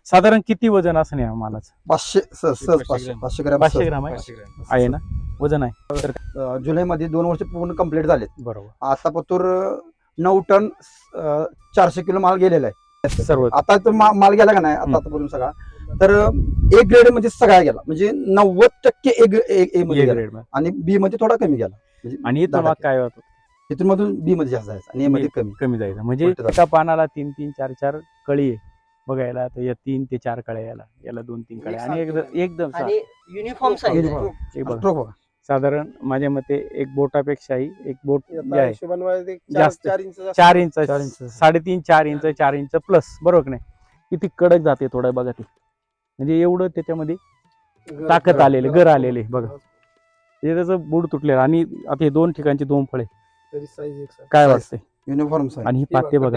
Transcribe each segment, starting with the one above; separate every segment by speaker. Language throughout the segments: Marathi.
Speaker 1: साधारण किती वजन असं नाही मालाचं?
Speaker 2: 500 सहज 500 ग्रॅम
Speaker 1: 500 ग्राम आहे ना वजन आहे तर
Speaker 2: जुलैमध्ये 2 वर्ष पूर्ण कंप्लीट झालेत.
Speaker 1: बरोबर.
Speaker 2: आता पतूर 9 टन 400 किलो माल गेलेला आहे.
Speaker 1: सर्व
Speaker 2: आता तर माल गेला का नाही आतापर्यंत सगळा, तर ए ग्रेड मध्ये सगळा गेला, म्हणजे 90% ए मध्ये गेला
Speaker 1: ग्रेड
Speaker 2: आणि बी मध्ये थोडा कमी गेला. म्हणजे
Speaker 1: आणि इथं मग काय होतं
Speaker 2: इथून मधून बी मध्ये जास्त जायचं आणि ए मध्ये कमी.
Speaker 1: कमी जायचं. म्हणजे
Speaker 2: उलटं जायचं.
Speaker 1: एका पानाला 3-3 4-4 कळी आहे बघायला, तर या 3 ते 4 कळ्या याला 2-3 कळ्या आणि एकदम
Speaker 3: आणि युनिफॉर्म साईज
Speaker 2: Uniform.
Speaker 1: हे बघा.
Speaker 2: Stroke बघा.
Speaker 1: साधारण माझ्या मते एक बोटापेक्षाही एक बोट जे आहे
Speaker 4: जास्त
Speaker 1: जास्त 4 इंच 3.5-4 इंच 4 इंच प्लस, बरोबर की नाही? किती कडक जाते थोडं बघा ते, म्हणजे एवढं त्याच्यामध्ये ताकद आलेले गर आलेले बघा. हे त्याचं बुड तुटलेलं आणि आता हे 2 ठिकाणची 2 फळे काय वाटतंय?
Speaker 2: युनिफॉर्म साईज
Speaker 1: आणि ही पाते बघा.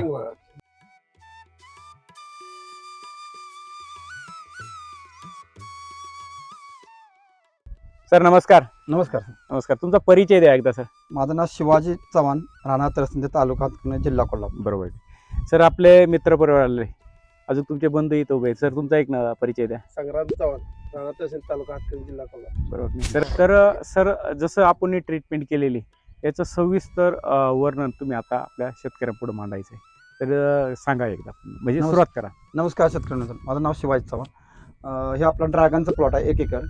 Speaker 1: सर नमस्कार.
Speaker 2: नमस्कार.
Speaker 1: नमस्कार, तुमचा परिचय द्या एकदा सर.
Speaker 2: माझं नाव शिवाजी चव्हाण, राणा तरसिंदे, तालुका हातकणंगले, जिल्हा कोल्हापूर.
Speaker 1: बरोबर. सर आपले मित्र परिवार आले, अजून तुमचे बंधू इथं उभे आहेत. सर तुमचा एक परिचय द्या.
Speaker 4: संग्राम चव्हाण, राणा तहसील, तालुका हातकणंगले, जिल्हा कोल्हापूर.
Speaker 1: बरोबर. सर जसं आपण ट्रीटमेंट केलेली याचं सविस्तर वर्णन तुम्ही आता आपल्या शेतकऱ्यांपुढे मांडायचं आहे, तर सांगा एकदा, म्हणजे सुरुवात करा.
Speaker 2: नमस्कार शेतकऱ्यांना, माझं नाव शिवाजी चव्हाण. हे आपला ड्रॅगनचं प्लॉट आहे, 1 एकर,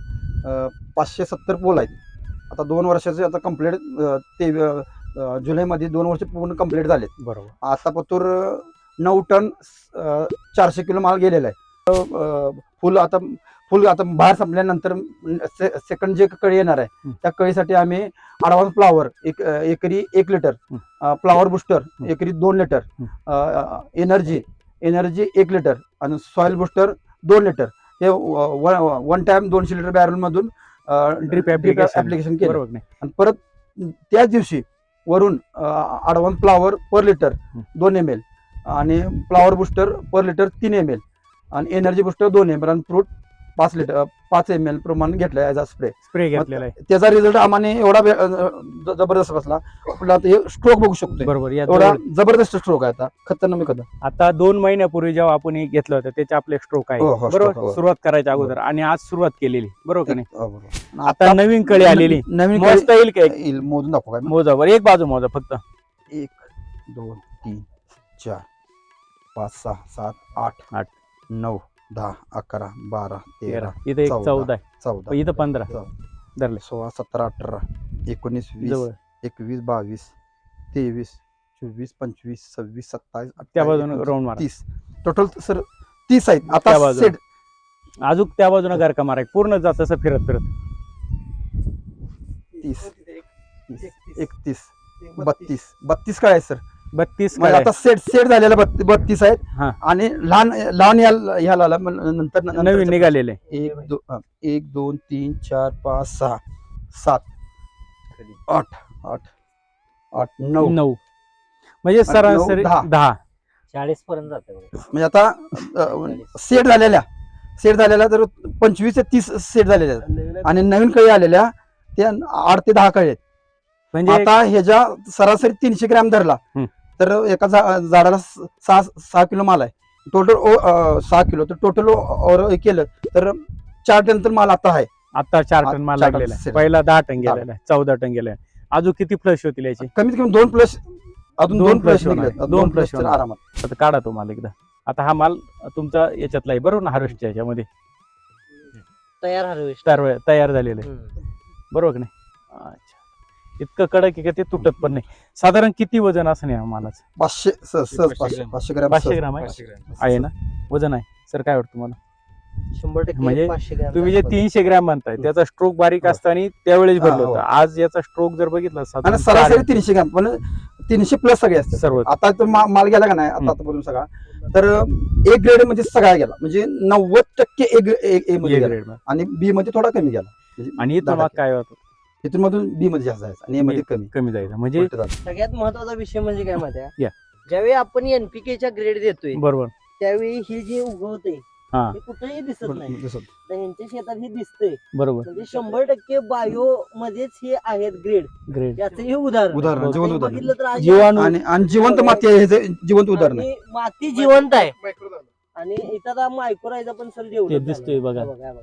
Speaker 2: 570 पोल आहेत. आता 2 वर्षाचे आता कंप्लीट, ते जुलैमध्ये 2 वर्ष पूर्ण कंप्लीट झालेत.
Speaker 1: बरोबर.
Speaker 2: आता पतूर 9 टन 400 किलो माल गेलेला आहे. फुल आता बाहेर संपल्यानंतर सेकंड जे कळी येणार आहे त्या कळीसाठी आम्ही ॲडव्हान्स फ्लावर एकरी 1 लिटर, फ्लावर बुस्टर एकरी 2 लिटर, एनर्जी 1 लिटर आणि सॉइल बुस्टर 2 लिटर, हे वन टाइम 200 लिटर बॅरल मधून
Speaker 1: ड्रिप
Speaker 2: ऍप्लिकेशन केलं.
Speaker 1: बरोबर नाही?
Speaker 2: आणि परत त्याच दिवशी वरून advance flower per litre 2 ml आणि flower booster per litre 3 ml आणि एनर्जी बुस्टर 2 ml आणि फ्रूट 5 ml प्रमाणे घेतलं ॲज अ स्प्रे
Speaker 1: घेतलेला आहे.
Speaker 2: त्याचा रिझल्ट आम्हाला एवढा जबरदस्त बसला. आपला आता हे स्ट्रोक बघू शकतो,
Speaker 1: बरोबर.
Speaker 2: एवढा जबरदस्त स्ट्रोक आहे. आता खतरनाक
Speaker 1: आता 2 महिन्यापूर्वी जेव्हा आपण हे घेतलं होतं त्याचे आपले स्ट्रोक आहे,
Speaker 2: हो,
Speaker 1: बरोबर,
Speaker 2: stroke, हो.
Speaker 1: सुरुवात करायच्या अगोदर, आणि आज सुरुवात केलेली, बरोबर का नाही?
Speaker 2: बरोबर.
Speaker 1: आता नवीन कळी आलेली,
Speaker 2: नवीन
Speaker 1: मोजता येईल का?
Speaker 2: येईल, मोजून दाखव काय.
Speaker 1: मोजा बरं, एक बाजू मोजा फक्त.
Speaker 2: 1 2 3 4 5 6 7 8 9 10 11 12 13
Speaker 1: इथं एक 14 आहे,
Speaker 2: 14
Speaker 1: इथं 15 धरले.
Speaker 2: 16 17 18 19 20
Speaker 1: जवळ
Speaker 2: 21 22 23 24 25 26 27
Speaker 1: त्या
Speaker 2: 28
Speaker 1: बाजूने
Speaker 2: 29,
Speaker 1: राऊंड मारा.
Speaker 2: 30 टोटल सर 30 आहेत.
Speaker 1: त्या
Speaker 2: आता
Speaker 1: बाजूने.
Speaker 2: सेट
Speaker 1: अजून त्या बाजूने गारका मारा, पूर्ण जात असं फिरत
Speaker 2: 30 31 32 काय आहे सर?
Speaker 1: 32
Speaker 2: म्हणजे आता सेट झालेला 32 आहेत.
Speaker 1: हा.
Speaker 2: आणि लहान ह्याला नंतर
Speaker 1: नवीन निघालेले.
Speaker 2: 1 2 3 4 5 6 7 8 8 9
Speaker 1: 9 म्हणजे सरासरी 10
Speaker 3: 40 पर्यंत जाते.
Speaker 2: म्हणजे आता सेट झालेल्या तर 25 ते 30 सेट झालेल्या आहेत. आणि नवीन कळी आलेल्या त्या 8 ते 10 कळी आहेत.
Speaker 1: म्हणजे
Speaker 2: आता ह्याच्या सरासरी 300 ग्रॅम धरला तर एका झाडाला 6 किलो माल आहे. टोटल 6 किलो, तर टोटल केलं तर 4 टन तर माल आता आहे.
Speaker 1: आता 4 टन माल
Speaker 2: 4 टन
Speaker 1: लागलेला आहे.
Speaker 2: सेट.
Speaker 1: पहिला 10 टन गेलेला आहे, 14 टन गेलेला आहे. अजून किती फ्लश होतील याची?
Speaker 2: कमीत कमी 2 प्लस, अजून 2 प्लस
Speaker 1: होणार.
Speaker 2: निघले,
Speaker 1: 2
Speaker 2: 2
Speaker 1: प्लस
Speaker 2: प्लस आरामात.
Speaker 1: आता काढा तो माल एकदा. आता हा माल तुमचा याच्यातला आहे, बरोबर ना? हार्वेस्टच्या याच्यामध्ये
Speaker 3: तयार हार्वेस्ट.
Speaker 1: तयार झालेलं आहे, बरोबर की नाही? अच्छा, इतकं कडक आहे का ते तुटत पण नाही. साधारण किती वजन असं नाही मालाचं?
Speaker 2: 500 500 ग्रॅम
Speaker 1: 500 ग्राम आहे ना वजन आहे. सर काय वाटतं तुम्हाला?
Speaker 3: 100%
Speaker 1: म्हणजे
Speaker 3: 500 ग्रॅम.
Speaker 1: तुम्ही जे 300 ग्रॅम म्हणताय त्याचा स्ट्रोक बारीक असताना त्यावेळेस भरलं
Speaker 2: हो.
Speaker 1: होतं. आज याचा स्ट्रोक जर बघितला
Speaker 2: आणि सरासरी 300 ग्रॅम, पण 300 प्लस सगळे असते
Speaker 1: सर्व.
Speaker 2: आता तर माल गेला का नाही आतापर्यंत सगळा, तर ए ग्रेड मध्ये सगळा गेला, म्हणजे 90% ए मध्ये गेला आणि बी मध्ये थोडा कमी गेला. म्हणजे
Speaker 1: आणि इथं मग काय होतं?
Speaker 2: इथून मधून बी मध्ये जास्त जायचं आणि ए मध्ये
Speaker 1: कमी जायचं. म्हणजे
Speaker 2: उलटं झालं.
Speaker 3: सगळ्यात महत्वाचा विषय म्हणजे काय माहिती आहे?
Speaker 1: या.
Speaker 3: ज्यावेळी आपण एनपीकेच्या ग्रेड देतोय
Speaker 1: बरोबर.
Speaker 3: त्यावेळी ही जी उगवते
Speaker 1: हा.
Speaker 3: हे कुठेही दिसत नाही.
Speaker 2: दिसत.
Speaker 3: तर ह्यांच्या शेतात हे दिसतंय,
Speaker 1: बरोबर.
Speaker 3: म्हणजे 100% बायो मध्येच हे आहेत ग्रेड.
Speaker 1: ग्रेड
Speaker 3: याचं हे उदाहरण
Speaker 2: जिवंत
Speaker 3: आता हे
Speaker 2: उदाहरण.
Speaker 3: बघितलं तर आज
Speaker 1: जीवाणू
Speaker 2: आणि जिवंत माती आहे, हे जिवंत उदाहरण आहे.
Speaker 3: आणि माती जिवंत आहे. आणि इथं आता मायक्रोरायझा पण सर
Speaker 1: ते
Speaker 3: डेव्हलप
Speaker 1: दिसतोय बघा.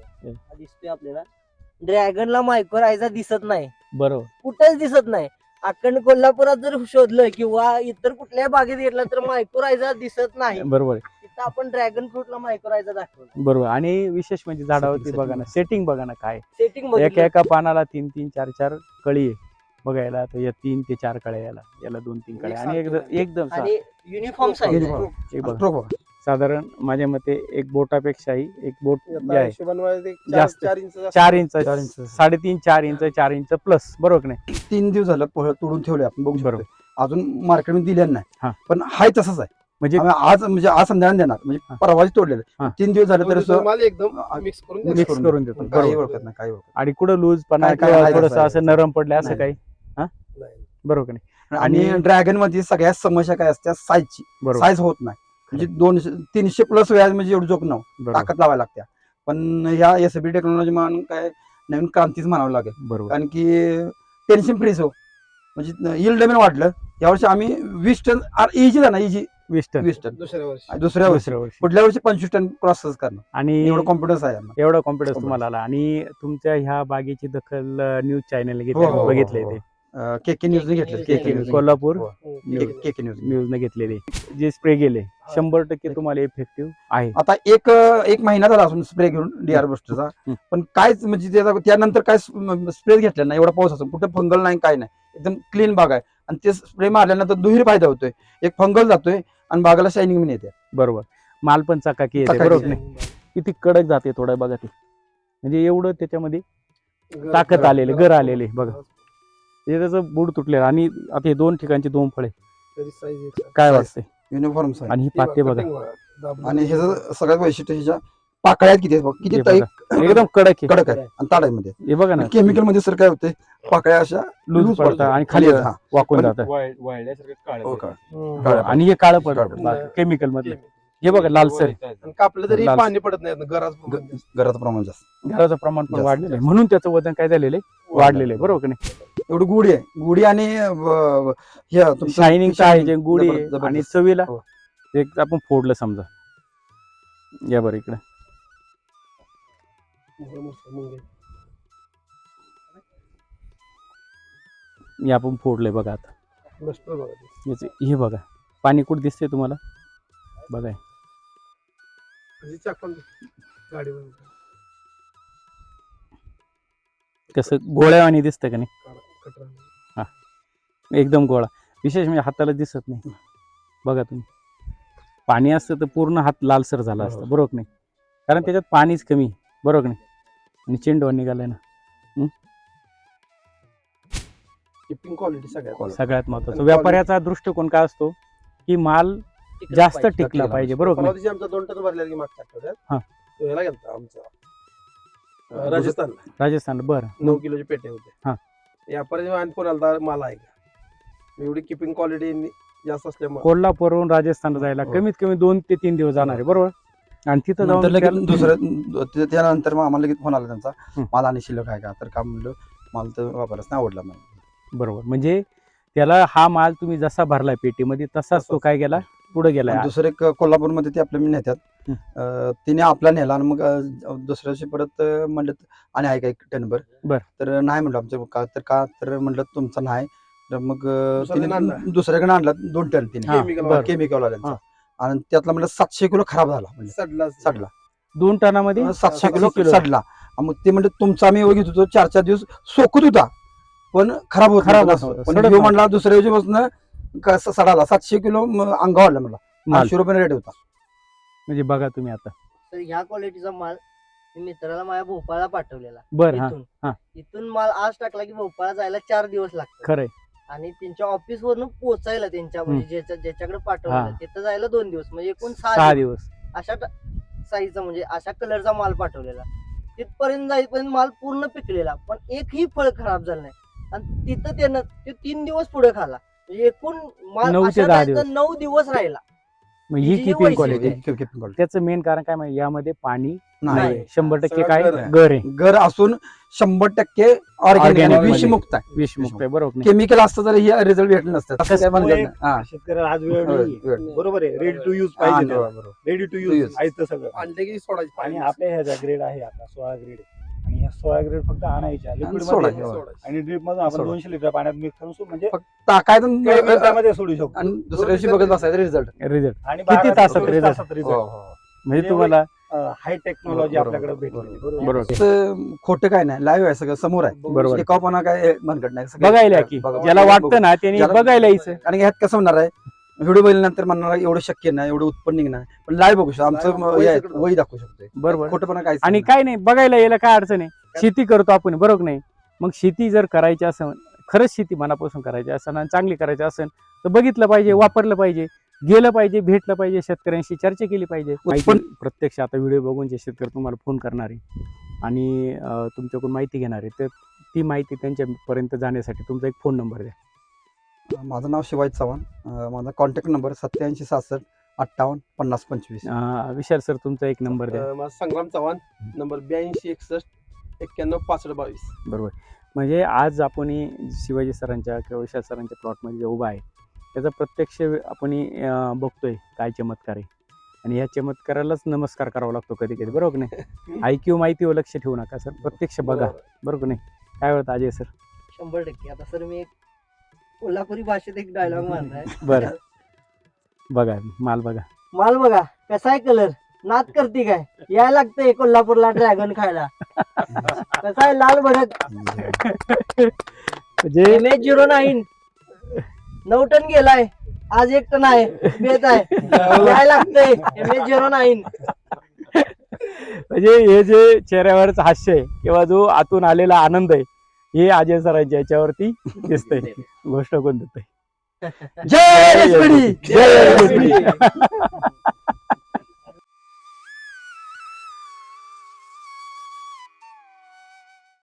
Speaker 3: हा दिसतोय आपल्याला. ड्रॅगनला मायक्रोरायझा दिसत नाही,
Speaker 1: बरोबर.
Speaker 3: कुठेच दिसत नाही. अखंड कोल्हापुरात जर शोधलं किंवा इतर कुठल्याही बागेत घेतलं तर मायक्रोरायझा दिसत नाही.
Speaker 1: बरोबर आहे.
Speaker 3: तिथं आपण ड्रॅगन फ्रूटला मायक्रोरायझा दाखवलं.
Speaker 1: बरोबर. आणि विशेष म्हणजे झाडावरती
Speaker 2: Setting,
Speaker 1: बघा ना, सेटिंग बघा ना काय
Speaker 3: सेटिंग
Speaker 1: एका एका पानाला 3-3 4-4 कळी आहे बघायला. तर या 3 ते 4 कळ्या, याला 2-3 कळ्या आणि एकदम
Speaker 3: आणि युनिफॉर्म साईज
Speaker 2: Uniform.
Speaker 1: हे बघा.
Speaker 2: Pro बघा.
Speaker 1: साधारण माझ्या मते एक बोटापेक्षाही एक बोट जे
Speaker 4: आता
Speaker 1: आहे
Speaker 4: हिशोबाने मला ते
Speaker 1: जास्त.
Speaker 4: 4 inch
Speaker 1: 4 inch
Speaker 2: 4 inch.
Speaker 1: 3.5 4 inch 4 inch plus, बरोबर की नाही?
Speaker 2: 3 दिवस झालं तोडून ठेवले आपण बघू
Speaker 1: बरोबर.
Speaker 2: शकतो. अजून मार्केटमध्ये दिलेलं
Speaker 1: हा.
Speaker 2: नाही, पण हाय तसंच आहे.
Speaker 1: म्हणजे
Speaker 2: आम्ही आज संध्याकाळी देणार, म्हणजे
Speaker 1: हा.
Speaker 2: परवाच तोडलेलं.
Speaker 1: हा.
Speaker 2: 3 दिवस झाले तरी
Speaker 4: माल एकदम मिक्स करून
Speaker 2: mix
Speaker 1: मिक्स करून देतो.
Speaker 2: काही
Speaker 1: बरोबर.
Speaker 2: ओळखत नाही, काही ओळखत
Speaker 1: आणि कुठं लूज पणा
Speaker 2: काय
Speaker 1: किंवा
Speaker 2: आहे
Speaker 1: थोडस
Speaker 2: तसं आहे.
Speaker 1: असं नरम पडलं असं
Speaker 2: नाही.
Speaker 1: काही
Speaker 4: नाही.
Speaker 1: बरोबर की नाही?
Speaker 2: नाही. आणि ड्रॅगन मध्ये सगळ्यात समस्या काय असते, साईजची.
Speaker 1: बरोबर.
Speaker 2: साईज होत नाही, म्हणजे 300 प्लस व्याज म्हणजे एवढं जोक
Speaker 1: बरोबर.
Speaker 2: ताकद लावायला लागते. पण ह्या एसबी टेक्नॉलॉजी म्हणून काय नवीन क्रांतीच म्हणावं लागेल.
Speaker 1: बरोबर.
Speaker 2: कारण की टेन्शन फ्रीज हो, म्हणजे यील्ड पण वाढलं. यावर्षी आम्ही 20 टन इजी झाला, इजी
Speaker 1: 20 टन
Speaker 2: 20 टन.
Speaker 4: दुसऱ्या वर्षी
Speaker 2: दुसऱ्या वर्षी
Speaker 1: दुसऱ्या वर्षी.
Speaker 2: पुढल्या वर्षी 25 टन क्रॉस करणार,
Speaker 1: आणि
Speaker 2: एवढं कॉन्फिडन्स आहे आम्हाला.
Speaker 1: एवढा कॉन्फिडन्स
Speaker 2: Confidence.
Speaker 1: तुम्हाला आला. आणि तुमच्या ह्या बागेची दखल न्यूज चॅनल
Speaker 2: हो, हो,
Speaker 1: बघितले
Speaker 2: हो,
Speaker 1: ते
Speaker 2: केके न्यूजने घेतलं.
Speaker 3: KK
Speaker 2: KK
Speaker 3: News.
Speaker 2: News
Speaker 1: Kolhapur
Speaker 2: KK news.
Speaker 1: न्यूजने घेतलेले जे स्प्रे गेले 100% तुम्हाला इफेक्टिव्ह आहे.
Speaker 2: आता एक महिना झाला असून स्प्रे घेऊन डीआर बुस्टरचा,
Speaker 1: हम्म.
Speaker 2: पण कायच म्हणजे त्यानंतर काय स्प्रे घेतला नाही. एवढा पाऊस असून कुठे फंगल नाही, काय नाही, एकदम क्लीन बाग आहे. आणि ते स्प्रे मारल्यानंतर दुहेरी फायदा होतोय. एक फंगल जातोय आणि बागाला शायनिंग पण येते.
Speaker 1: बरोबर. माल पण चकाकी येते,
Speaker 2: चकाकी
Speaker 1: बरोबर
Speaker 2: येते.
Speaker 1: नाही? किती कडक जाते थोडं बघा ते, म्हणजे एवढं त्याच्यामध्ये ताकद आलेले, गर आलेले बघा. हे त्याचं बुड तुटलेलं. आणि आता हे 2 ठिकाणचे 2 फळे
Speaker 4: तरी size एक
Speaker 1: काय
Speaker 2: Size.
Speaker 1: वाटतंय?
Speaker 2: Uniform size.
Speaker 1: आणि ही पाते बघा,
Speaker 2: आणि ह्याचं सगळ्यात वैशिष्ट्य ह्याच्या पाकळ्यात किती आहेत बघ, किती
Speaker 1: हे बघा. एकदम कडक आहे.
Speaker 2: कडक आहे. आणि ताडामध्ये
Speaker 1: हे बघा ना,
Speaker 2: केमिकल मध्ये सर काय होते, पाकळ्या अशा
Speaker 1: लूज पडतात आणि खाली
Speaker 2: हा.
Speaker 1: वाकून
Speaker 2: पण-
Speaker 1: जातं.
Speaker 2: हो का?
Speaker 1: हो, आणि हे काळं पडतं
Speaker 2: काळं.
Speaker 1: केमिकल मधलं. हे बघा लालसर आहे.
Speaker 4: आणि कापलं तरी
Speaker 1: लाल-
Speaker 4: पाणी पडत नाही गरज
Speaker 2: घराचं प्रमाण जास्त,
Speaker 1: घराचं प्रमाण पण
Speaker 2: जास्त,
Speaker 1: वाढलेलं आहे,
Speaker 2: जास्त.
Speaker 1: म्हणून त्याचं वजन काय झालेलं आहे, वाढलेलं आहे, बरोबर की नाही?
Speaker 2: एवढी गुढी आहे. गुढी आणि हे तुमचं
Speaker 1: शायनिंग आहे,
Speaker 2: shining
Speaker 1: जे गुढी आहे.
Speaker 2: जबरदस्त.
Speaker 1: आणि चवीला
Speaker 2: हो.
Speaker 1: एक आपण फोडलं समजा, या बरं इकडे हे आपण फोडलंय बघा. आता याचे हे बघा, पाणी कुठं दिसतंय तुम्हाला बघा. हे.
Speaker 4: गाडीवर
Speaker 1: कसं गोळ्यावानी दिसतं का नाही? एकदम गोळा. विशेष म्हणजे हाताला दिसत नाही बघा तुम्ही. पाणी असतं तर पूर्ण हात लालसर झाला असता, बरोबर की नाही? कारण त्याच्यात पाणीच कमी, बरोबर की नाही? आणि चेंडू निघालाय ना.
Speaker 4: किपिंग क्वालिटी
Speaker 1: सगळ्यात महत्वाचं व्यापाऱ्याचा दृष्टिकोन काय असतो की माल जास्त टिकला पाहिजे, बरोबर की नाही?
Speaker 4: आमचा 2 टन भरल्या की मागच्या
Speaker 1: हा.
Speaker 4: आठवड्यात तो ह्याला गेलता आमचा राजस्थानला
Speaker 1: राजस्थान, बरं.
Speaker 4: 9 किलोचे पेटे
Speaker 1: हा.
Speaker 4: होते. व्यापारी आणि कोणाला माल आहे का एवढी किपिंग क्वालिटी जास्त असल्यामुळे
Speaker 1: कोल्हापूरहून राजस्थानला जायला
Speaker 2: हो.
Speaker 1: कमीत कमी 2 ते 3 दिवस जाणार आहे, बरोबर? आणि तिथं
Speaker 2: नंतर
Speaker 1: जाऊन
Speaker 2: लगेच त्यानंतर मग आम्हाला लगेच फोन आला त्यांचा,
Speaker 1: हं.
Speaker 2: माल आणि शिल्लक आहे का? तर का म्हणलं, माल तर वापरच नाही आवडला मला.
Speaker 1: बरोबर. म्हणजे त्याला हा माल तुम्ही जसा भरलाय पेटीमध्ये तसाच तो काय गेला, पुढे गेलाय.
Speaker 2: आणि दुसरे कोल्हापूरमध्ये ते आपल्या नेत्यात,
Speaker 1: हं.
Speaker 2: तिने आपला नेला आणि मग दुसऱ्या दिवशी परत म्हणलं आणि आहे का 1 टनभर?
Speaker 1: बर.
Speaker 2: तर नाही म्हणलं आमचं तर म्हणलं तुमचा नाही. तर मग
Speaker 4: दुसऱ्याकडे आणला.
Speaker 2: दुसऱ्याकडे आणला 2 टन तिने
Speaker 1: हा, बरं.
Speaker 2: केमिकल वाल्यांचा. आणि त्यातला म्हणलं 700 किलो खराब झाला, म्हणजे सडला.
Speaker 1: 2 टनामध्ये
Speaker 2: 700
Speaker 1: 700
Speaker 2: किलो सडला. मग ते म्हणजे तुमचा आम्ही एवढं घेत होतो 4-4 दिवस सोकत होता, पण खराब होत नव्हता. पण
Speaker 1: सडत
Speaker 2: ह्यो म्हणला दुसऱ्या दिवशीपासून सडाला 700 किलो अंगा वाढला मला.
Speaker 1: माल.
Speaker 2: 800 रुपये रेट होता.
Speaker 1: म्हणजे बघा तुम्ही आता.
Speaker 3: तर ह्या क्वालिटीचा माल मी मित्राला माझ्या भोपाळला पाठवलेला.
Speaker 1: बरं. हा,
Speaker 3: इथून
Speaker 1: हा.
Speaker 3: इथून माल आज टाकला की भोपाळला जायला 4 दिवस लागतात.
Speaker 1: खरंय.
Speaker 3: आणि त्यांच्या ऑफिस वरून पोहोचायला त्यांच्या म्हणजे ज्याच्याकडे पाठवलेलं तिथं जायला 2 दिवस, म्हणजे एकूण
Speaker 1: 6 दिवस.
Speaker 3: अशा साईजचा म्हणजे अशा कलरचा माल पाठवलेला. तिथपर्यंत जाईपर्यंत माल पूर्ण पिकलेला, पण एकही फळ खराब झालं नाही. आणि तिथं त्यानं ते 3 दिवस पुढे खाला, म्हणजे एकूण माल
Speaker 1: 9 ते 10 दिवस.
Speaker 3: 9 दिवस राहिला.
Speaker 1: मग ही
Speaker 3: हिची जी
Speaker 1: किपिंग
Speaker 3: वैशिष्ट्य
Speaker 1: क्वालिटी
Speaker 3: आहे.
Speaker 2: Keeping quality.
Speaker 1: त्याचं मेन कारण काय माहिती यामध्ये पाणी
Speaker 2: नाही
Speaker 1: नाही 100%
Speaker 4: सगळं
Speaker 1: काय
Speaker 4: घर आहे.
Speaker 1: घर आहे
Speaker 2: घर असून 100% ऑर्गॅनिक
Speaker 1: Organic मध्ये.
Speaker 2: विषमुक्त आहे.
Speaker 1: विषमुक्त आहे बरोबर नाही?
Speaker 2: केमिकल असतं तर हे रिझल्ट भेटलं नसतं असं काय म्हणतात नाही. हा.
Speaker 5: शेतकऱ्याला आज वेळ
Speaker 2: होय,
Speaker 5: नाही
Speaker 2: वेळ.
Speaker 5: बरोबर आहे रेडी टू यूज
Speaker 2: हा,
Speaker 5: पाहिजे
Speaker 2: बरोबर.
Speaker 5: Ready to
Speaker 2: To
Speaker 5: use
Speaker 2: use.
Speaker 5: आयचं सगळं
Speaker 4: आणले की सोडायची
Speaker 5: आणि
Speaker 4: पाणी.
Speaker 5: आपल्या ह्याचा ग्रेड आहे आता 16 ग्रेड आणि ह्या 16 ग्रेड फक्त आणायच्या लिक्विड
Speaker 2: सोडायचं.
Speaker 5: मध्ये
Speaker 4: सोडायची.
Speaker 5: आणि ड्रिप मधून आपण
Speaker 2: सोडा.
Speaker 5: 200 लिटर पाण्यात मिक्स करून म्हणजे
Speaker 2: टाकायचं
Speaker 5: काही मिनिटामध्ये सोडू शकतो
Speaker 2: आणि दुसऱ्या दिवशी बघत बसायचं रिझल्ट.
Speaker 1: रिझल्ट
Speaker 5: आणि
Speaker 1: किती
Speaker 5: 12
Speaker 1: तासात
Speaker 5: ते 24
Speaker 1: result?
Speaker 5: तासात result.
Speaker 1: म्हणजे तुम्हाला
Speaker 5: हाय टेक्नॉलॉजी
Speaker 2: बरोबर,
Speaker 5: आपल्याकडे
Speaker 2: बरोबर,
Speaker 5: भेटली
Speaker 2: बरोबर.
Speaker 1: बरोबर
Speaker 2: असं खोटं काय नाही लाईव्ह आहे सगळं समोर आहे.
Speaker 1: बरोबर
Speaker 2: टिकाऊपणा काय मनगट नाही सगळं-
Speaker 1: बघायला की
Speaker 2: बघा-
Speaker 1: ज्याला वाटतं ना त्यांनी
Speaker 2: ज्याला-
Speaker 1: बघायला यायचं
Speaker 2: आणि ह्यात कसं होणार आहे व्हिडिओ बघितल्यानंतर म्हणणार एवढं शक्य नाही एवढं उत्पन्न निघणार पण लाईव्ह बघू शकतो आमचं
Speaker 4: Live
Speaker 2: हे आहे,
Speaker 4: सगळं.
Speaker 2: वही दाखवू शकतोय
Speaker 1: बरोबर
Speaker 2: खोटंपणा काय
Speaker 1: आणि काय नाही बघायला यायला काय अडचण आहे शेती करतो आपण बरोबर नाही मग शेती जर करायची असेल खरंच शेती मनापासून करायची असेल आणि चांगली करायची असेल तर बघितलं पाहिजे वापरलं पाहिजे गेलं पाहिजे भेटलं पाहिजे शेतकऱ्यांशी चर्चा केली पाहिजे
Speaker 2: उत्पन्न-
Speaker 1: माहिती- प्रत्यक्ष आता व्हिडिओ बघून जे शेतकरी तुम्हाला फोन करणार आहे आणि तुमच्याकडून माहिती घेणार आहे तर ती माहिती त्यांच्यापर्यंत जाण्यासाठी तुमचा एक फोन नंबर द्या.
Speaker 2: माझं नाव शिवाजी चव्हाण माझा कॉन्टॅक्ट नंबर 8766 58 50 25.
Speaker 1: विशाल सर तुमचा एक नंबर द्या.
Speaker 4: माझा संग्राम चव्हाण नंबर 82 61 91 65 22.
Speaker 1: बरोबर म्हणजे आज आपण शिवाजी सरांच्या किंवा विशाल सरांच्या प्लॉटमध्ये जे उभा आहे त्याचा प्रत्यक्ष आपण बघतोय काय चमत्कार आहे आणि या चमत्कारालाच नमस्कार करावा लागतो कधी कधी बरोबर नाही ऐक्यू माहितीवर लक्ष ठेवू नका सर प्रत्यक्ष बघा बरोबर नाही काय होतं अजय सर
Speaker 3: 100%. आता सर मी एक कोल्हापुरी भाषेत एक डायलॉग मारलाय.
Speaker 1: बरं बघा माल बघा
Speaker 3: माल बघा कसा आहे कलर नाद करते काय यायला लागतंय कोल्हापूरला ड्रॅगन खायला कसा आहे लाल भडक
Speaker 1: म्हणजे
Speaker 3: MS09 9 टन गेलाय आज 1 टन आहे बेत आहे यायला लागतंय MS09.
Speaker 1: म्हणजे हे जे चेहऱ्यावरच हास्य आहे किंवा जो आतून आलेला आनंद आहे हे अजय सरांच्या याच्यावरती दिसतंय गोष्ट कोण देतंय
Speaker 2: जय SPD!
Speaker 1: जय